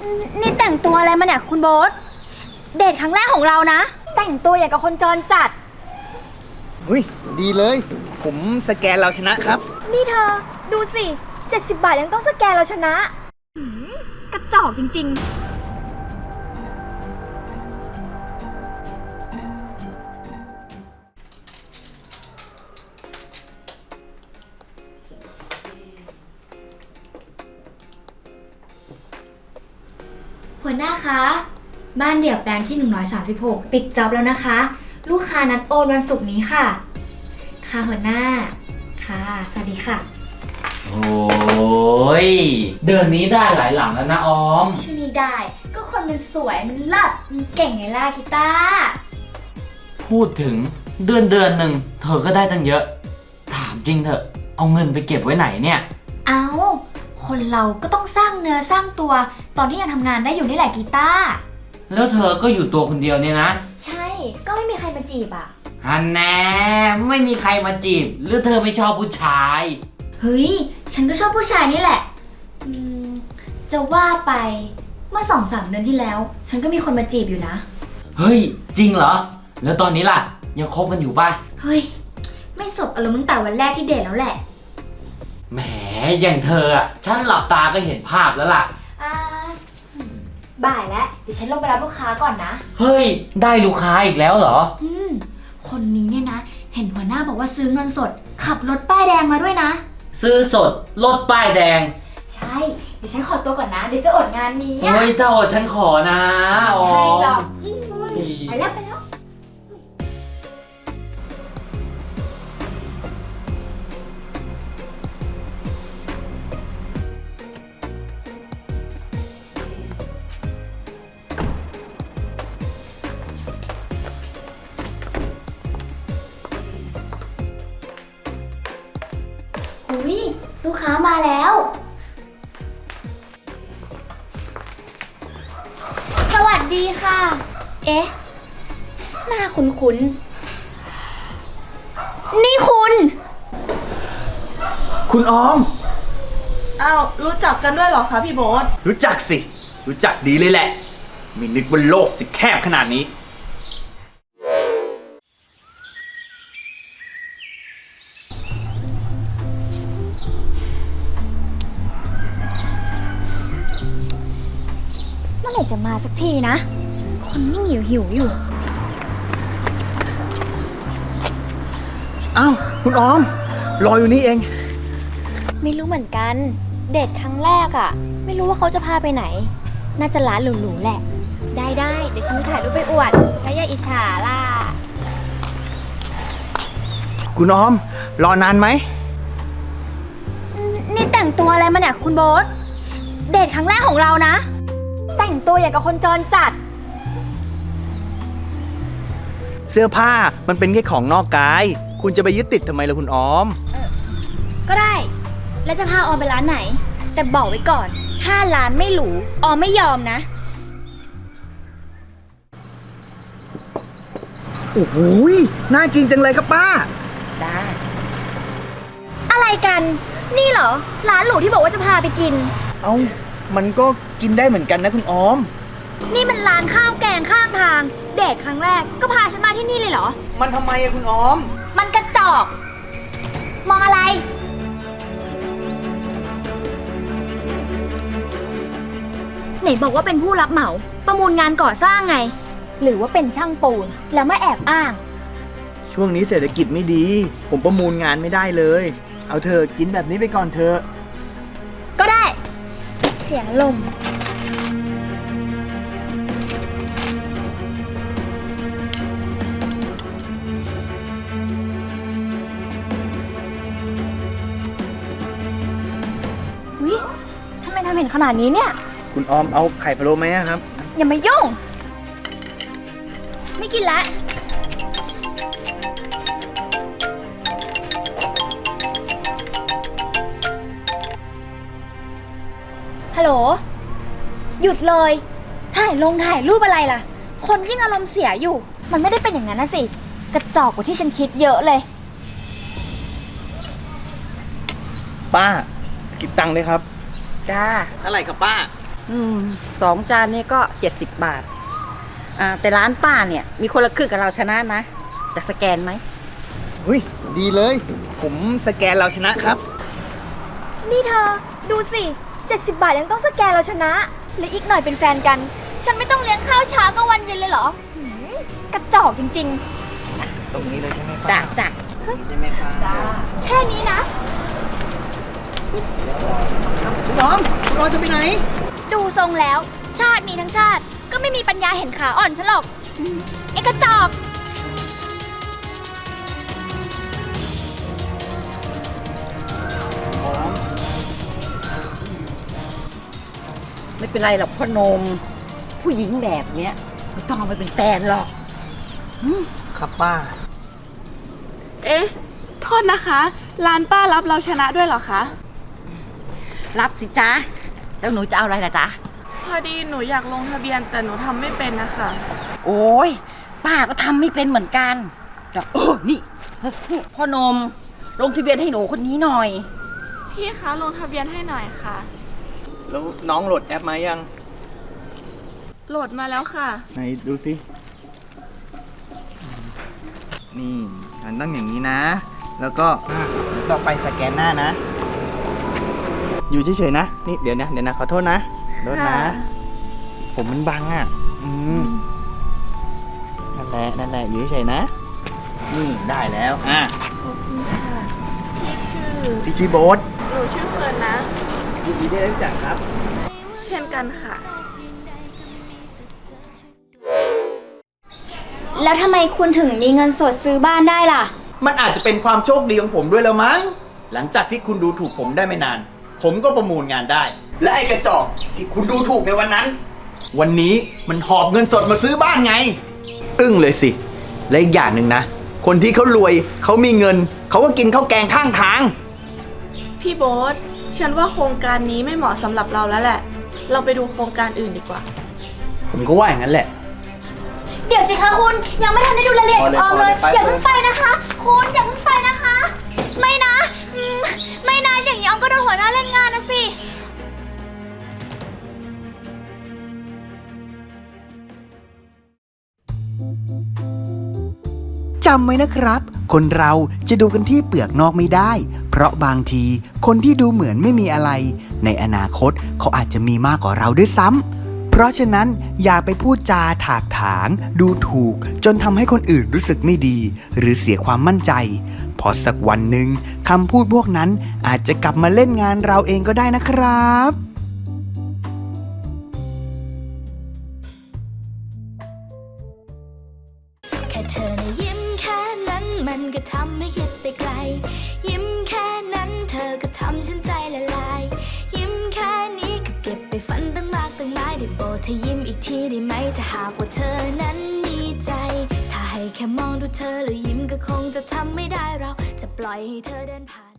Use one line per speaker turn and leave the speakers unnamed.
นี่แต่งตัวอะไรมาเนี่ยคุณโบ๊ทเดทครั้งแรกของเรานะแต่งตัวอย่างกับคนจรจัด
อุ้ยดีเลยผมสแกนเราชนะครับ
นี่เธอดูสิ70 บาทยังต้องสแกนเราชนะกระจอกจริงๆหัวหน้าคะบ้านเดี่ยวแปลงที่136ปิดจ็อบแล้วนะคะลูกค้านัดโอนวันศุกร์นี้ค่ะค่ะหัวหน้าค่ะสวัสดีค่ะ
โอ้ยเดือนนี้ได้หลายหลังแล้วนะออม
ช่วงนี้ได้ก็คนมันสวยมันเลิศมันเก่งไงล่ะกีตาร์
พูดถึงเดือนหนึ่งเธอก็ได้ตั้งเยอะถามจริงเถอะเอาเงินไปเก็บไว้ไหนเนี่ย
เอาคนเราก็ต้องสร้างเนื้อสร้างตัวตอนที่ยังทำงานได้อยู่นี่แหละกีตาร์
แล้วเธอก็อยู่ตัวคนเดียวเนี่ยนะ
ใช่ก็ไม่มีใครมาจีบอ่ะ
ฮันแน่ไม่มีใครมาจีบหรือเธอไม่ชอบผู้ชาย
เฮ้ยฉันก็ชอบผู้ชายนี่แหละจะว่าไปเมื่อ2-3 เดือนที่แล้วฉันก็มีคนมาจีบอยู่นะ
เฮ้ยจริงเหรอแล้วตอนนี้ล่ะยังคบกันอยู่ป่ะ
เฮ้ยไม่สบอารมณ์ตั้งแต่วันแรกที่เดทแล้วแหละ
แหมอย่างเธออ่ะฉันหลับตาก็เห็นภาพแล้วล่ะ
บ่ายแล้วเดี๋ยวฉันลงไปรับลูกค้าก่อนนะ
เฮ้ยได้ลูกค้าอีกแล้วเหรอ
คนนี้เนี่ยนะเห็นหัวหน้าบอกว่าซื้อเงินสดขับรถป้ายแดงมาด้วยนะ
ซื้อสดรถป้ายแดง
ใช่เดี๋ยวฉันขอตัวก่อนนะเดี๋ยวจะอดงานนี้
เฮ้ยเจ้าฉันขอนะอ๋อ
ไปแล้วไปแล้วลูกค้ามาแล้วสวัสดีค่ะเอ๊ะหน้าคุ้นๆนี่
คุณออม
อ้าวรู้จักกันด้วยเหรอคะพี่โบ๊ท
รู้จักสิรู้จักดีเลยแหละไม่นึกว่าโลกสิแคบขนาดนี้
เมื่อไหร่จะมาสักทีนะคนยิ่งหิวอยู่
อ้าวคุณออมรออยู่นี่เอง
ไม่รู้เหมือนกันเดทครั้งแรกอะไม่รู้ว่าเขาจะพาไปไหนน่าจะร้านหรูๆแหละได้เดี๋ยวฉันถ่ายรูปไปอวดแล้วอย่าอิจฉาล่ะ
คุณออมรอนานไหม
นี่แต่งตัวอะไรมาเนี่ยคุณโบ๊ทเดทครั้งแรกของเรานะแต่งตัวอย่างกับคนจรจัด
เสื้อผ้ามันเป็นแค่ของนอกกายคุณจะไปยึดติดทำไมล่ะคุณออม
ก็ได้แล้วจะพาออมไปร้านไหนแต่บอกไว้ก่อนถ้าร้านไม่หรูออมไม่ยอมนะ
โอ้โหน่ากินจังเลยครับป้า
จ้า
อะไรกันนี่เหรอร้านหรูที่บอกว่าจะพาไปกิน
เอ้ามันก็กินได้เหมือนกันนะคุณออม
นี่มันร้านข้าวแกงข้างทางเดทครั้งแรกก็พาฉันมาที่นี่เลยเหรอ
มันทำไมอะคุณออม
มันกระจอกมองอะไรไหนบอกว่าเป็นผู้รับเหมาประมูลงานก่อสร้างไงหรือว่าเป็นช่างปูนแล้วไม่แอบอ้าง
ช่วงนี้เศรษฐกิจไม่ดีผมประมูลงานไม่ได้เลยเอาเธอกินแบบนี้ไปก่อนเธอ
ก็ได้เสียลมวิทำไมทำเห็นขนาดนี้เนี่ย
คุณออมเอาไข่พะโล้ไหมครับ
อย่ามายุ่งไม่กินละฮัลโหลหยุดเลยถ่ายรูปอะไรล่ะคนยิ่งอารมณ์เสียอยู่มันไม่ได้เป็นอย่างนั้นนะสิกระจอกกว่าที่ฉันคิดเยอะเลย
ป้าคิดตังค์เลยครับ
จ้า
เท่าไหร่ครับป้า
2 จานนี้ก็ 70 บาทแต่ร้านป้าเนี่ยมีคนละครึ่งกับเราชนะนะจะสแกนไหม
อุ้ยดีเลย ผมสแกนเราชนะครับ
นี่เธอ ดูสิ 70 บาทยังต้องสแกนเราชนะ และอีกหน่อยเป็นแฟนกัน ฉันไม่ต้องเลี้ยงข้าวเช้ากับวันเย็นเลยเหรอหือกระจอกจริง
ตรงนี้เลยใช่ไหมครับ
จ้ะ
ใช่ไหมครับ
ๆ แค่นี้นะ
คุณน้องคุณน้องจะไปไหน
ดูทรงแล้ว ชาตินี้ทั้งชาติ ก็ไม่มีปัญญาเห็นขาอ่อนฉันหรอกไอ้กระจอก
ไม่เป็นไรหรอกพ่อหนม ผู้หญิงแบบเนี้ยไม่ต้องเอาไปเป็นแฟนหรอก
ครับป้า
เอ๊ะ โทษนะคะ ร้านป้ารับเราชนะด้วยเหรอคะ
รับสิจ๊ะแล้วหนูจะเอาอะไรล่ะจ๊ะ
พอดีหนูอยากลงทะเบียนแต่หนูทำไม่เป็นนะคะ
โอ้ยป้าก็ทำไม่เป็นเหมือนกันเดี๋ยวนี่พ่อหนมลงทะเบียนให้หนูคนนี้หน่อย
พี่คะลงทะเบียนให้หน่อยค่ะ
แล้วน้องโหลดแอปมายัง
โหลดมาแล้วค่ะ
ไหนดูสิ นี่มันต้องอย่างนี้นะ แล้วก็ต่อไปสแกนหน้านะ อยู่เฉยๆนะ นี่เดี๋ยวนะขอโทษนะโทษนะ
ค่ะ
ผมมันบังอ่ะ นั่นแหละอยู่เฉยๆนะ นี่ได้แล้ว
ขอบคุณค่ะ
พี่ชื่อโบ๊ท
หนูชื่อเฟิร์นนะ
ยินดีได้รู้จักครับ
เช่นกันค่ะ
แล้วทำไมคุณถึงมีเงินสดซื้อบ้านได้ล่ะ
มันอาจจะเป็นความโชคดีของผมด้วยแล้วมั้ง หลังจากที่คุณดูถูกผมได้ไม่นาน ผมก็ประมูลงานได้ และไอ้กระจอกที่คุณดูถูกในวันนั้น วันนี้มันหอบเงินสดมาซื้อบ้านไง อึ้งเลยสิ และอีกอย่างหนึ่งนะ คนที่เขารวยเขามีเงิน เขาก็กินข้าวแกงข้างทาง
พี่โบ๊ทฉันว่าโครงการนี้ไม่เหมาะสำหรับเราแล้วแหละ เราไปดูโครงการอื่นดีกว่า
ผมก็ว่าอย่างนั้นแหละ
เดี๋ยวสิคะคุณยังไม่ทันได้ดูรายละเอียดออกเลย
พอเลย
อย่าเพิ่งไปนะคะ คุณอย่าเพิ่งไปนะคะ ไม่นะไม่นะอย่างนี้ออมก็โดนหัวหน้าเล่นงานนะสิ
จำไว้นะครับ คนเราจะดูกันที่เปลือกนอกไม่ได้ เพราะบางทีคนที่ดูเหมือนไม่มีอะไร ในอนาคตเขาอาจจะมีมากกว่าเราด้วยซ้ำเพราะฉะนั้นอย่าไปพูดจาถากถาง ดูถูกจนทำให้คนอื่นรู้สึกไม่ดี หรือเสียความมั่นใจเพราะสักวันหนึ่งคำพูดพวกนั้นอาจจะกลับมาเล่นงานเราเองก็ได้นะครับ
แค่เธอนะยิ้มแค่นั้นมันก็ทำให้คิดไปไกล ยิ้มแค่นั้นเธอก็ทำฉันใจละลาย ยิ้มแค่นี้ก็เก็บไปฝันตั้งมากตั้งหลายได้โปรดเธอยิ้มอีกทีได้ไหมถ้าหากว่าเธอนั้นมีใจ ถ้าให้แค่มองดูเธอแล้วยิ้มก็คงจะทำไม่ได้เราจะปล่อยให้เธอเดินผ่าน